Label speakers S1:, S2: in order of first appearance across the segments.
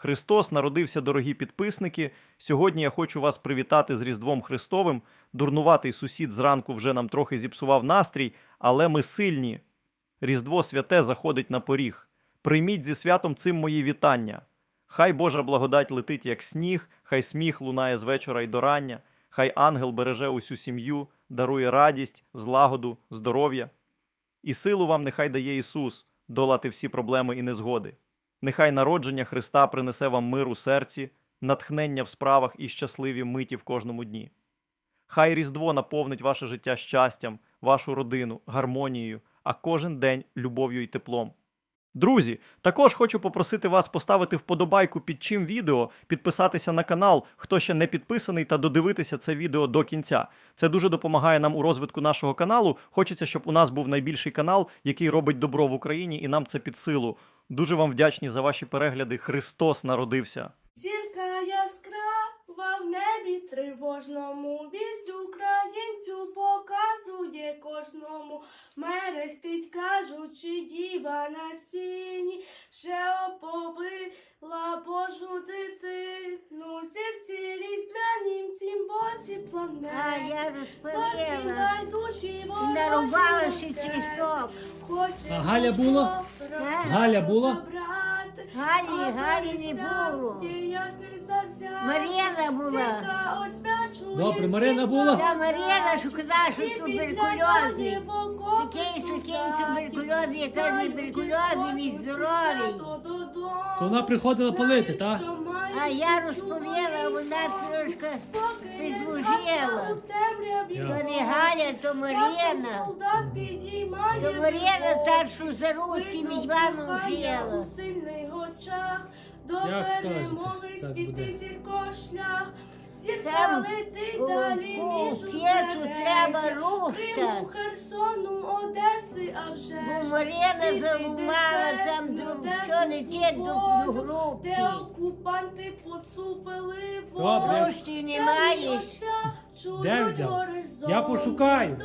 S1: Христос народився, дорогі підписники. Сьогодні я хочу вас привітати з Різдвом Христовим. Дурнуватий сусід зранку вже нам трохи зіпсував настрій, але ми сильні. Різдво святе заходить на поріг. Прийміть зі святом цим мої вітання. Хай Божа благодать летить, як сніг, хай сміх лунає з вечора й до рання, хай ангел береже усю сім'ю, дарує радість, злагоду, здоров'я. І силу вам нехай дає Ісус долати всі проблеми і незгоди. Нехай народження Христа принесе вам мир у серці, натхнення в справах і щасливі миті в кожному дні. Хай Різдво наповнить ваше життя щастям, вашу родину, гармонією, а кожен день любов'ю і теплом. Друзі, також хочу попросити вас поставити вподобайку під чим відео, підписатися на канал, хто ще не підписаний, та додивитися це відео до кінця. Це дуже допомагає нам у розвитку нашого каналу. Хочеться, щоб у нас був найбільший канал, який робить добро в Україні, і нам це під силу. Дуже вам вдячні за ваші перегляди. Христос народився!
S2: Зірка яскрава в небі тривожному, вість українцю показує кожному. Мерехтить, кажучи, діва на сіні, ще оповила Божу дитину. Зірці різдвянім цім боці планеті.
S3: Я розповіла.
S2: Душі
S3: Нарубалася трісок.
S2: Хоче
S4: Галя була? Галя була?
S3: Галі не було. Мар'яна була.
S4: Добре, Марина була?
S3: Та Мар'яна, що казала, що туберкульозний. Такий туберкульозний, яка не туберкульозний, він здоровий.
S4: То вона приходила палити, так?
S3: А я розповіла, вона трошки підслужила. То не Галя, то Мар'яна. То Мар'яна старшу за русским Іваном жила.
S2: До
S4: Як скажете,
S2: перемоги
S4: так
S2: світи
S4: буде.
S2: зірко шлях. Зірка
S3: Там
S2: летить
S3: у
S2: далі між
S3: п'єцу треба рушта.
S2: Криму, Херсону, Одеси, а вже
S3: Бо
S2: ж
S3: Мар'яна
S2: світи
S3: залумала там
S2: декретно,
S3: що не те до групки.
S2: де окупанти поцупили
S4: Добре.
S3: Рушті не маєш?
S4: Де взяв? Я пошукаю.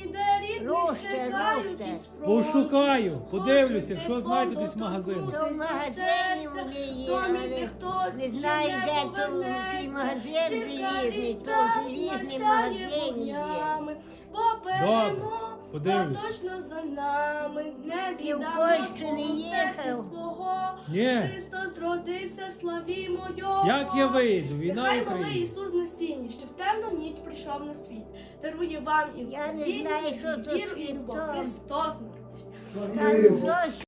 S3: Руште.
S4: Пошукаю, подивлюся, якщо знаєте десь магазин.
S3: То в магазині вони є, але не знаю, де то цей магазин залізний, то в залізній магазині є.
S4: Добре, подивлюсь.
S2: Точно за нами, не
S3: Ти в
S2: віддамо
S3: Польщу не
S2: свого
S3: їхав?
S2: серця свого.
S4: Ні.
S2: Христос родився, славімо Його.
S4: Як я вийду? Війна в
S2: Нехай малий
S4: Україні.
S2: Ісус на сіні, що в темну ніч прийшов на світ. Дарує вам і
S3: Я не
S2: віру,
S3: знаю,
S2: і
S3: що то
S2: віру, і любов.
S3: світло.
S2: Христос народився.
S3: Там